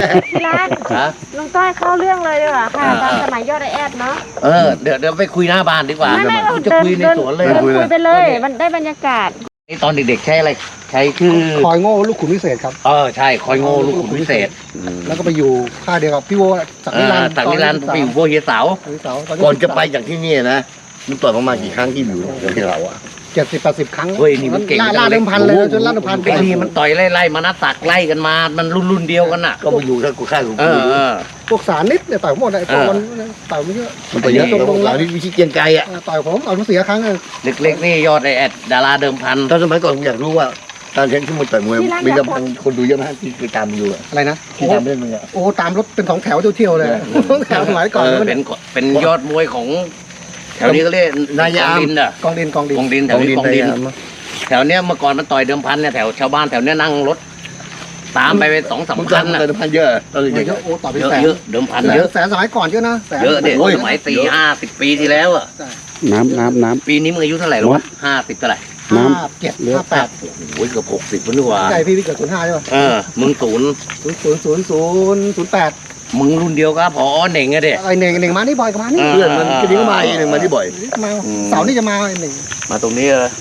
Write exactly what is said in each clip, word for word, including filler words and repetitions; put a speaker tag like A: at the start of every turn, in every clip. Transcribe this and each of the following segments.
A: ที่ร้านลุงต้อยเข้าเรื่องเลยดีกว่าค่ะตอนสมัยยอดไอแอดเนาะ
B: เออเดี๋ยวเดี๋ยวไปคุยหน้าบ้านดีกว่า
A: ไม่ไม่
B: จะคุยในสวนเลย
A: คุยไปเลย มันได้บรรยากาศ
B: ตอนเด็กๆใช้อะไรใช้คือ
C: คอยโง่ลูกขุนพิเศษครับ
B: เออใช่คอยโง่ลูกขุนพิเศษ
C: แล้วก็ไปอยู่ค่ายเดียวกับพี่โวสักนิรันดร์
B: สักนิรันดร์ไปอยู่โบเฮียเสา
D: ก่อนจะไปจากที่นี่นะมันต่อยประมาณกี่ครั้งที่อยู่ที่เราอะ
C: เจ็ดสิบแปดสิบครั้ง
B: เฮ้ยนี่มันเก่ง
C: ล่าเดิมพันเลยจนล่าเดิมพัน
B: ไอ้นี่มันต่อยไล่ๆมานัดตักไล่กันมามันรุ่นๆเดียวกันน่ะ
D: ก็มาอยู่ถ้ากูฆ่ากู
B: เออ
C: พวกสารนิดเนี่ยต่อยหมดไอ้พวกมันต่อยไม่เยอะ
D: มันต่อยเยอะตรงๆแล้วนี่วิชิตเกียงไกรอะ
C: ต่อยผมต่อยมาเสียครั้งนึง
B: เล็กๆนี่ยอดไอแอดดาราเดิมพัน
D: ตอนสมัยก่อนผมอยากรู้ว่าตอนเช้นที่มันต่อยมวยมีเดิมพันคนดูเยอะมากที่คือตามอยู่
C: อะไรนะ
D: ที่ตามเล่นมึงอะ
C: โอ้ตามรถเป็นสองแถวเที่ยวเลยสองแถวสมัยก่อน
B: เป็นเป็นยอดมวยของแถวนี้ก็เรียก
D: นายาม
B: ดินอ่ะ
C: กองดินกองดิน
B: กองดินแถวนี้กองดินแถวเนี้ยเมื่อก่อนมันต่อยเดิมพันเนี่ยแถวชาวบ้านแถวเนี้ยนั่งรถตามไปไปสองสามพัน
D: นะเดิมพันเยอะตอน
C: เยอะโอ้ต่อไปแสน
B: เยอะเดิมพัน
C: เยอะแสนสมัยก่อนเยอะนะ
B: เยอะเด็กสมัยสี่ห้าสิบปีที่แล้วอ่ะ
E: น้ำน้ำน้
B: ำปีนี้มึงอายุเท่าไหร่หรอห้าสิบเท่าไหร่
C: ห้าเจ็ดห้าแปด
B: โอ้ยเกือบหกสิบแล้วนี่หว่า
C: ใช่พี่พี่เกิดศูนย์ห้าใช่ป่ะ
B: เออมึงศูนย์
C: ศูนย์ศูนย์ศูนย์ศูนย์ศูนย์แปด
B: มึงรุ่นเดียวกับพอเหน่งอะเด็ก
C: ไอเหน่งเหน่งมานี่บ่อยกับมานี่
D: เพื่อนมันก็ดิ้งมาอีกหนึ่งมาที่บ่อย
C: มาเสาร์นี่จะมาเหน่ง
B: มาตรงนี้เลย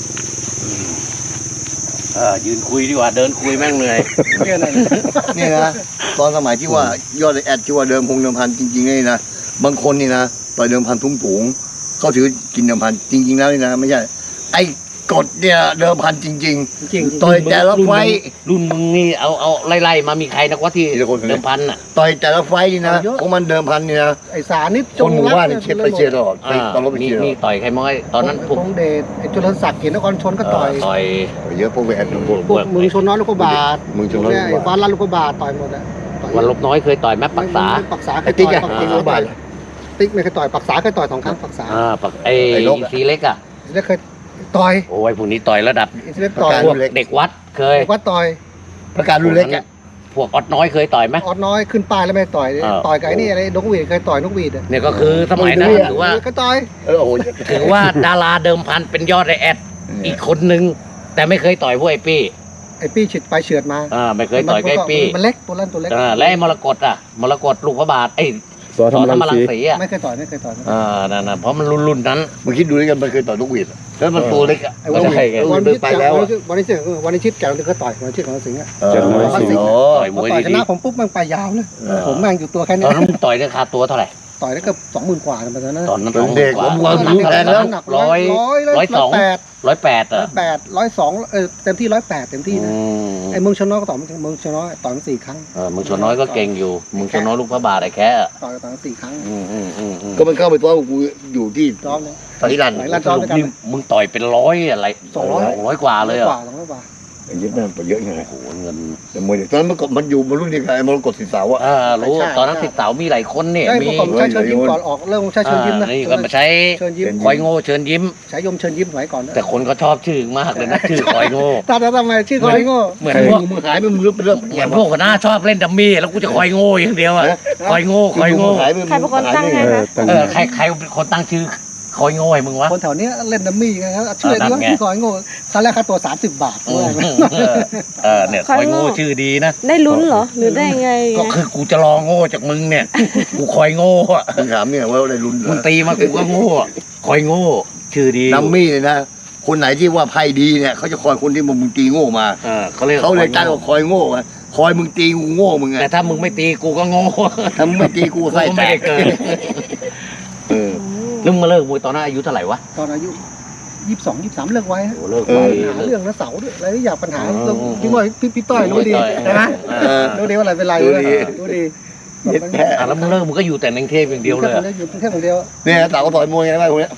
B: เออยืนคุยดีกว่าเดินคุยแม่งเหนื่อย
D: เนี่ยนะตอนสมัยที่ว่ายอดแอดที่ว่าเดิมพงเดิมพันจริงๆนี่นะบางคนนี่นะต่อยเดิมพันทุ่งถุงเขาถือกินเดิมพันจริงๆแล้วนี่นะไม่ใช่ไอ้กดเนี่ยเดิมพันจริงๆต่อยแต่ละไฟ
B: รุ่นมึงนี่เอาเอาไล่ๆมามีใครนะว่าที่เดิมพันอ่ะ
D: ต่อยแต่ละไฟนี่นะของมันเดิมพันนี่นะ
C: ไอ้สานิด
D: คนหมู่บ้านเชียร์ไปเชียร์ตลอดตอนรถไป
B: เชียร์นี่ต่อยใครม้อยตอนนั้น
C: พงเดชไอ้จุลศักดิ์เขียนนครชนก็ต่อย
B: ต่อย
D: เยอะพวกแหวน
C: พวกมึงชนน้อยลูกบาท
D: มึงชนน้อย
C: ไอ้ฟ้าลั่นลูกบาทต่อยหมดอ่ะ
B: วันลบน้อยเคยต่อยแม่ปักษา
C: ปักษาเคยต่อยปักษาบาทติ๊กไม่เคยต่อยปักษาเคยต่อยสองครั้งปักษา
B: อ่าปักไอ้ซีเล็กอ่ะ
C: ซีเล็กเคยต่อย
B: โอ้ยพวกนี้ต่อยระดับพวกเด็กวัดเคย
C: วัดต่อย
D: ประกาศรุ่นเล็กอ่ะ
B: พวกออดน้อยเคยต่อยไหม
C: ออดน้อยขึ้นป้ายแล้วไม่ต่อยต่อยไก่นี่อะไรนกหวีดเคยต่อยนกหวีด
B: เนี่ยก็คือสมัยนั้นถือว่า
C: ก็ต่อย
D: เออโอ้ย
B: ถือว่าดาราเดิมพันเป็นยอดไอแอดอีกคนนึงแต่ไม่เคยต่อยพวกไอปี้
C: ไอปี้ฉิดไปเฉือดมา
B: อ่าไม่เคยต่อยไอปี้
C: มันเล็กตัวเล่นตัวเล็ก
B: อ่าและมรกตอ่ะมรกตลูกพระบาทไอ้
E: สอธรรมรังสี
B: อ่ะ
C: ไม่เคยต่อยไม่เคยต่อย
B: อ่านั่นๆเพราะมันรุ่นๆนั้น
D: มึงคิดดูด้วยกันมันเคยต่อยนกหวีดแล้วมันตัวเล็กอ่ะ
C: วันนี้ไปแล้ววันนี้เชื่อวันนี้ชิดแกเราเคยต่อยวันนี้ชิดของสิงห์อ่ะต่อยมวยดีชนะผมปุ๊บมันไปยาวเลยผมแม่งอยู่ตัวแค่นี้
B: ตอนนั้นต่อยได้ค่าตัวเท่าไหร่
C: ต่อยได้เกือบสองหมื่นกว่าตอนนั้น
B: ตอนนั้นสองห
D: มื่
B: นกว่า
D: หนักแล้ว
C: หนักร้อยร้อยสอง
B: ร้อยแปดอ่ะ
C: แปดร้อยสองเออเต็มที่ร้อยแปดเต็มที่นะไอ้เมืองชนน้อยก็ต่อยเมืองชนน้อยต่อยมาสี่ครั้ง
B: เออเมืองชนน้อยก็เก่งอยู่เมืองชนน้อยลูกพระบาทไอ้แค่
C: ต่อยต่อยมาสี่ครั้ง
B: อืมอืมอืม
D: ก็มันเข้าไปตัวกูอยู่ที่
C: ซ้อมเลย
D: ตอนที่รัน
C: ซ้อม
B: นี่มึงต่อยเป็นร้อยอะไร
C: สองร้อย
B: ร้อยกว่าเลยอ่ะ
C: สองร้อยกว่า
D: เยอะนะเยอะไง
B: โอ้โหเงิน
D: แต่มวยตอนนั้นมันก็มันอยู่มารุ่นนี้ไงมันกดสิบสาวอ่ะ
B: อ่ารู้ตอนนั้นสิบสาวมีหลายคนเนี่ย
C: มีใช้เชิญยิ้มก่อนออกเรื่องใช้เชิญยิ้มนะ
B: นี่ก็มาใช้
C: เชิญยิ้ม
B: คอยโง่เชิญยิ้ม
C: ใช้ยมเชิญยิ้มสมัยก่อน
B: แต่คนก็ชอบชื่อมากเลยนะชื่อคอยโง่
C: ตาทำไมชื่อคอยโง่
B: เหมือนพวก
D: มึงหายไปมึงเรื่องเรื่อง
B: เหมือนพวกคนหน้าชอบเล่นดัมมี่แล้วกูจะคอยโง่อย่างเดียวอ่ะคอยโง่คอยโง่
A: ใครเป็นคนตั้งไงคะ
B: เออใครใครเป็นคนตั้งชื่อคอยโง่มึงวะ
C: คนแถวนี้เล่นดัมมี่ไงครับชื่ออะไรวะชื่อคอยโง่ครั้งแรกค่าตัวสามสิบบาทด้วย
B: เออเนี่ยคอยโง่ชื่อดีนะ
A: ได้ลุ้นเหรอหรือได้ไง
B: ก็คือกูจะรอโง่จากมึงเนี่ยกูคอยโง่อ่ะ
D: มึงถามเนี่ยว่าได้ลุ้น
B: มึงตีมากูก็โง่คอยโง่ชื่อดี
D: ดัมมี่เลยนะคนไหนที่ว่าไพ่ดีเนี่ยเขาจะคอยคนที่มึงตีโง่มา
B: เขาเลย
D: เขาเลยตั้งว่าคอยโง่คอยมึงตีกูโง่มึงไง
B: แต่ถ้ามึงไม่ตีกูก็โง่
D: ถ้ามึงไม่ตีกูไส้แตก
B: เออนึกมาเลิกมวยตอนนั้นอายุเท่าไหร่วะ
C: ตอนอายุยี่สิบสองยี่สิบสามเลิกไว้
B: โอ้เลิกไว้
C: หาเรื่องนะเสาด้วยอะไรอยากปัญหาพี่มวยพี่พี่ต้อยรู้ดีนะรู้ดีว่าอะไรเป็นไรรู้ดี
B: อ่ะแล้วมึงเลิกมึงก็อยู่แต่ในกรุงเทพอย่างเดียวเลย
C: อยู่กรุงเทพอย่างเดียว
D: เนี่ยเต่าก็ต่อยมวยไงบ้างคนนี้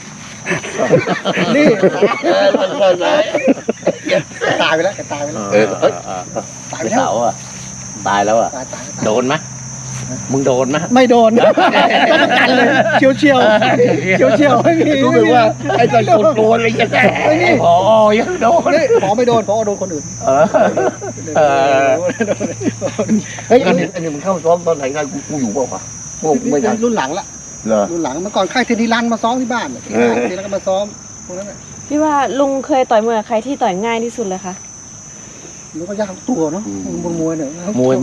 C: นี่ตายไปแล้วตายไปแล้ว
B: ตายไปแล้วอ่ะตายแล้วอ่ะโดนไหมมึงโดนไหม
C: ไม่โดนต้องประกันเลยเชียวเชียวเชียวเชียวไม่มี
D: รู้สึกว่าไอ้ตอนโกนโกนอะไรกันแน่
B: พอยังโดน
C: พอไม่โดนพอโดนคนอื่น
D: เฮ้ยอันนี้อันนี้มึงเข้าซ้อมตอนไหนกันกูอยู่เปล่าวะพวกไม่ทัน
C: รุ่นหลังละรุ่นหลังเมื่อก่อนค่ายเทนนิรันมาซ้อมที่บ้านทีแล้วก็มาซ้อมพวกนั้น
A: พี่ว่าลุงเคยต่อยมวยกับใครที่ต่อยง่ายที่สุดเลยคะ
C: มันก็ยากตัวเนาะมวยมวยเนี่ย
B: มวยมันก็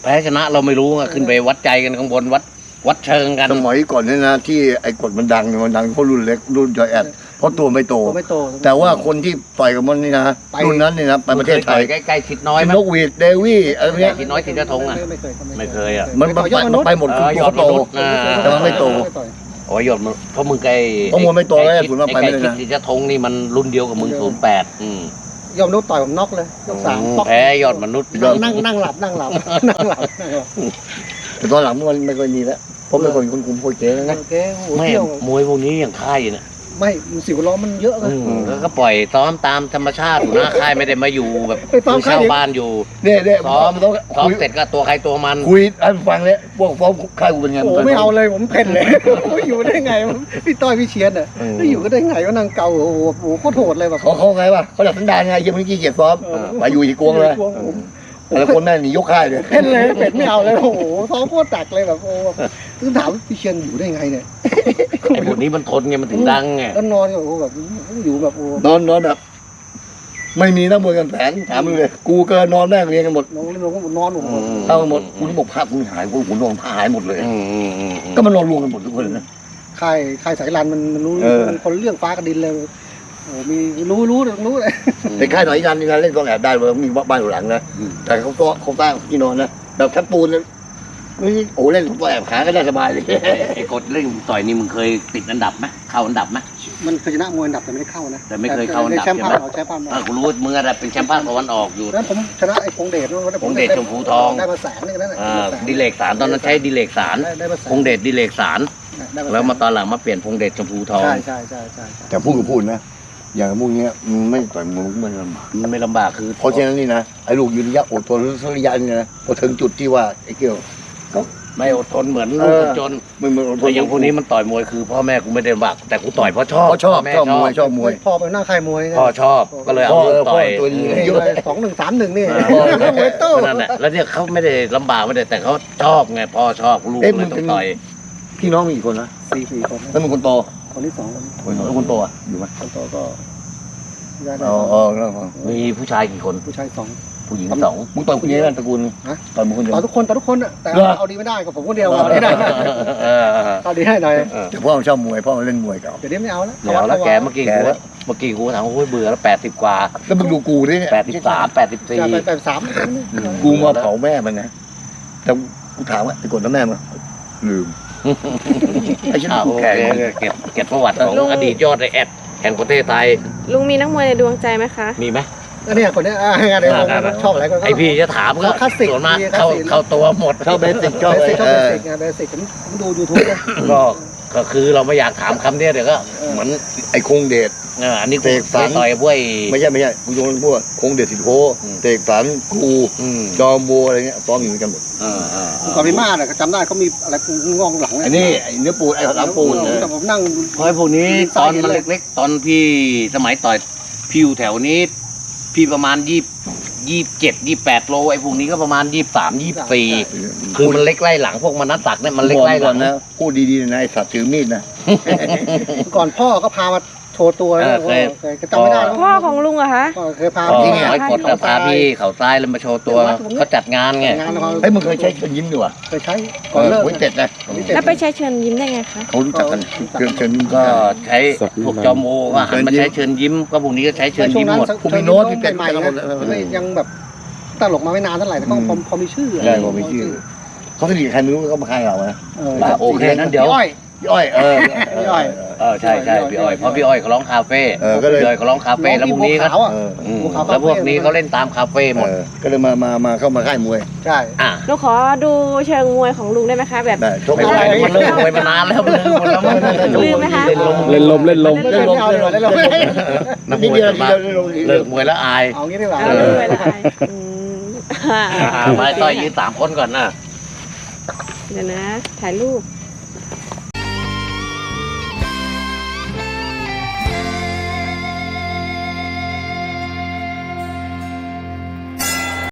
B: แพ้ชนะเราไม่รู้อะขึ้นไปวัดใจกันข้างบนวัดวัดเชิงกัน
D: สมัยก่อนเนี่ยนะที่ไอ้กฎมันดังเนี่ยมันดังเพราะรุ่นเล็กรุ่นจอยแอดเพราะตัวไม่โต
C: ตัวไม่โต
D: แต่ว่าคนที่ต่อยกับมันนี่นะ
C: ไป
D: รุ่นนั้นนี่นะไปประเทศไทย
B: ใกล้ๆชิดน้อยไหม
D: นกหวีดเดวี่อะไรพวกเนี้ย
B: ชิดน้อยชิดกระทงอ่ะ
C: ไม่เคย
B: ไม่เคยอ่ะ
D: มันมันไปมันไปหมด
B: เอ
D: คือ
B: อ
D: ตัวเขาโต
B: ยอดมนุษย์นะ
D: แต่มันไม่โต
B: โอ้ยหยดมันเพราะมึงไกล
D: เพราะมึงไม่โตแล้ว
B: อ้
D: ศูนย์มาไปไม่ได้นะ
B: อ้ชิดกระทงนี่มันรุ่นเดียวกับมึงศูนย์แปดอืม
C: ยอมนุษย์ต่อยผมน็อกเลยยกสามป๊อก
B: แพ้ยอดมนุษย์
C: นั่งนั่งนั่งหลับนั่งหลับนั่งหลับนั่งหลับ
D: แต่ตอนหลังมันไม่ค่อยมีแล้วเพราะไม่ค่อยมีคนคุมโคเจ๊แล้วนะ
C: โอเคโอ้โห
B: ไม่
C: เที่ยว
B: มวยพวกนี้อย่างค่ายเนี่ย
C: ไม่สิวล้อมันเยอะเลย
B: อืมแล้วก็ปล่อยซ้อมตามธรรมชาติอยู่หน้าค่ายไม่ได้มาอยู่แบบ
C: ไปซ้อม
B: คือ
C: ค่าย
B: เช่า
C: เดียว
B: บ้านอยู่
D: เนี่ยเนี่ย
B: ซ้อม
D: ต้อง
B: ซ้อม
D: คุย
B: เสร็จก็ตัวใครตัวมัน
D: คุยให้ฟังเลยพวกฟ้องค่ายกูเป็นไง
C: โอ้โหไม่เอาเลยผมเพ่นเลยไม่อยู่ได้ไงพี่ต้อยพี่เชียนอ่ะ
B: อืม
C: ไม่อยู่ก็ได้ไงก็นั่งเกาโอ้โหโอ้โหโคตรโหดเลยแบบ
D: เขาเขาไงวะเขาดับสันดานไงยังไม่ขี้เกียจซ้อมไปอยู่อีกกวงเลย
C: กวงผม
D: แต่ละคนแม่งหนียกค่ายเลย
C: เพ่นเลยเป็ดไม่เอาเลยโอ้โหซ้อมโคตรตักเลยแบบโอ้คือถามพี่เชียนอยู่ได้ไงเนี่ย
B: ไอ้พวกนี้มันทนไงมันถึงดังไง
C: แล้วนอนโอ้โหแบบอยู่แบบโอ้
D: นอนนอนแบบไม่มีนักมวยกันแผนถามมึงเลยกูเกินนอนแม่งเรียนกันหมด
C: นอนนอนนอนผม
D: เอาหมดคุณบอกภาพคุณหายกูคุณนอนผ้าหายหมดเลย
B: อืมอืมอืมอืม
D: ก็มันนอนรวมกันหมดทุกคนเลยนะ
C: ค่ายค่ายสายรันมันมันรู้
D: เออ
C: มันคนเรื่องฟ้ากับดินเลยโอ้มีรู้รู้รู้เลย
D: แต่ค่ายหน่อยยันนี่นะเล่นตอนแอบได้เลยมีบ้านอยู่หลังนะแต่เขาก็เขาสร้างที่นอนนะแบบแทบปูนนะไม่โอ้เล่นตัวแอบขาก็ได้สบายเลย
B: ไอ้กดเล่นต่อยนี่มึงเคยติดอันดับไหมเข้าอันดับไหม
C: มันเคยชนะมวยอันดับแต่ไม่ได้เข้านะ
B: แต่ไม่เคยเข้าอันดับ
C: แชมป์ภาค
B: ใช่ไหม
C: เราแชมป์ภาค
B: เออกูรู้ว่ามึงอะไรเป็นแชมป์ภาคตะวันออกอยู่
C: แล้วผมชนะไอ้พงเดช
B: พงเดชชมพูทอง
C: ได้มาแสนนึงนั่นแหละ
B: อ่าดิเลกสารตอนนั้นใช้ดิเลกสาร
C: ได้ได้มาแสน
B: พงเดชดิเลกสาร
C: ได้แสน
B: แล้วมาตอนหลังมาเปลี่ยนพงเดชชมพูทอง
C: ใช่ใช่ใช่ใช่ใช่
D: แต่พูดก็พูดนะ อย่างพวกเนี้ยมันไม่ต่อยมวยมันลำบาก
B: มันไม่ลำบากคือ
D: เพราะฉะนั้นนี่นะไอ้ลูกยืนระยะอดทนสักระยะนี่นะพอถึงจุดที่ว่าไอ้เกี่ยว
B: ไม่อดทนเหมือน
D: เอ
B: ลูก
D: อ
B: คนจน
D: มึงมึงอดท
B: แต่
D: น
B: อย่างพวกนี้มันต่อยมวยคือพ่อแม่กูไม่ได้ลำบากแต่กูต่อยเพราะชอบ
D: เขาชอบ
B: แม่
D: ชอบมวยชอบมวย
C: พ่อไปนั่งค่ายมวย
B: พ่อชอบก็เลยเอา
D: พ่อ
B: ลูกต่อย
D: พ่อตัวดี
C: นี่เลยสองหนึ่งสามหนึ่งนี่
B: อ่าม
C: วยโต้
B: นั่นแหละแล้วเนี่ยเขาไม่ได้ลำบากไม่ได้แต่เขาชอบไงพ่อชอบลูกเลยต้องต่อย
D: พี่น้องมีกี่คนนะ
C: สี่สี่คน
D: แล้วมึงคนโต
C: คนที่สองคน
D: คนโตแล้วคนโตอ่ะอยู่ไหม
C: คนโตก็ได้ได้
D: อ๋ออ๋อแล้ว
B: มีผู้ชายกี่คน
C: ผู้ชายสอง
B: ผู้หญิงสอง
D: มึงต่อยคนเดียวกันตระกูล
C: ฮะ
D: ต่อยมึงคนเดียว
C: ต่อทุกคนต่อทุกคนอ่ะแต่
D: เหรอ
C: เอาดีไม่ได้กับผมคนเดียวเอาดีได้
B: เออเออ
C: เอาดีให้หน่อย
B: เออ
D: แต่พ่อมันชอบมวยพ่อมันเล่นมวยเก่า
C: เดี๋ยวนี้ไม่เอาแล้ว
B: เดี๋ยวแล้วแกเมื่อกี้
D: แก
B: กู
D: แล้ว
B: เมื่อกี้กูถามว่าโอ้ยเบื่อแล้วแปดสิบกว่า
D: แล้วมึงดูกูดิเนี่ย
B: แปดสิบสามแปดสิบสี่
C: จะไปแปดสาม
D: กูมาเผาแม่มันนะแต่กูถามว่าไอ้กดแล้วแม่มันลืมไอ้ฉัน
B: อ่า
D: กู
B: โอเค
D: แข่ง
B: เก็บเก็บประวัติของอดีตยอดไอแอดแห่งประเทศไทย
A: ลุงมีนักมวยในดวงใจไหมคะ
B: มีไหม
C: อันนี้คนนี้อ่างานเดียวกันชอบอะไรก็
B: ไอพี่จะถามก็
C: คลาสสิก
B: ส่วนมาก
C: คลาสสิก
B: เข้าเข้าตัวหมด
D: ชอบเบสิกชอบ
C: เบ
D: อะไร
C: สิกชอบ
D: เอ
C: เบ
D: อ
C: สิกไงเบสิกผมผมดูยูทูบนะ
B: ก็ก็คือเราไม่อยากถามคำเนี้ยเดี๋ยวก็เหมือน
D: ไอ้คงเดช
B: เอออันนี้กู
D: เสกสรร
B: ไปต่อยกับพวกไอ้
D: ไม่ใช่ไม่ใช่กูโยนพวกคงเดชสิทธิโพ
B: อืม
D: เตกสันครู
B: อืม
D: จอมบัวอะไรเงี้ยซ้อมอยู่ด้วยกันหมด
B: เออเออเออ
C: ก่อนพี่มาเนี่ยจำได้เขามีอะไรงองหลัง
D: ไอ้นี่ไอ้เนื้อปูนไอ้หลังปูนเนี่ย
C: แต่ผมนั่ง
B: เพราะไอ้พวกนี้ตอนมันเล็กๆ ตอนพี่สมัยต่อยพี่อยู่แถวนี้ พี่ประมาณยี่ยี่เจ็ดยี่แปดโลไอ้พวกนี้ก็ประมาณยี่สามยี่สี่คือมันเล็กไล่หลังพวกมันนัดตักเนี่ยมันเล็กไล่ห
D: ก่
B: ลั
D: อน
B: ง
D: นะพูดดีๆนะไอ้สัตว์ถือมีดนะ
C: ก่อนพ่อก็พามาโชว์ตัว
B: เออเคย
C: เคยจำไม่ได้แล้ว
A: พ่อของลุงเหรอคะ
C: ก็เคยพา
B: ก็
C: ที่
B: ไอ้กดกับพาพี่เขาทรายแล้วมาโชว์ตัวเขาจัดงานไง
C: งานเขา
D: เฮ้ยมึงเคยใช้เชิญยิ้มดีกว่า
C: เคยใช้ก่
D: เอ
C: อน
D: อ
C: เลิก
D: ไว้เจ็ดนะ
A: แล้วไปใช้เชิญยิ้มได้ไงคะ
D: เขารู้จักกันเชิญเชิญยิ้ม
B: ก็
D: ก็
B: ใช้พวกจอมโมก็หันมาใช้เชิญยิ้มก็พวกนี้ก็ใช้เชิญยิ้มหมด
D: ผู้มีโน้ตพี่เป็ด
C: ใหม่
D: กันหมด
C: ๆนะยังแบบตลกมาไม่นานเท่าไหร่แต่ก็พอมีชื่อ
D: ได้พอมีชื่อเขาสนิทกับใครไม่รู้ก็มาค่ายเรานะ
B: โอเคนั้นเดี๋ยว
C: พี่อ้อย
D: พี่อ้อยเออ
C: พี่อ้อย
B: เออใช่ใช่พี่อ้อยเพราะพี่อ้อยเขาร้องคาเฟ่
D: เออก็เลย
B: พี่อ้อยเขาร้องคาเฟ่แล้วพวกนี้ก็
C: ขาวอ่ะ
D: เออ
B: อืม
C: ภูเขาคาเฟ่
B: แล้วพวกนี้เขาเล่นตามคาเฟ่หมด
D: เออก็เลยมามามาเข้ามาค่ายมวย
C: ใช่
B: อ่ะ
A: หนูขอดูเชิงมวยของลุงได้ไหมคะ แบบ
D: ได้ชก
B: ไม่
D: ไม่
B: ได้
D: ได้
B: มันเลิกมวยมานานแล้วมันเลิกหมดแล้วมัน
A: ลืมไหมคะ
B: เล่นลม
E: เล่นลมเล่นลม
C: เล่นลมเล่นลมเล่นลม
B: นักม
D: นิด
B: วย
D: เดียว
B: ส่วนมาก
D: เดียว
B: เลิกมวยแล้วอาย
C: เอางี้ดีกว่า
A: เอาลุงไปละอายอืมอ่า
B: อ่ามาต่อยยืนสามคนก่อนนะ
A: เดี๋ยวนะ ถ่ายรูป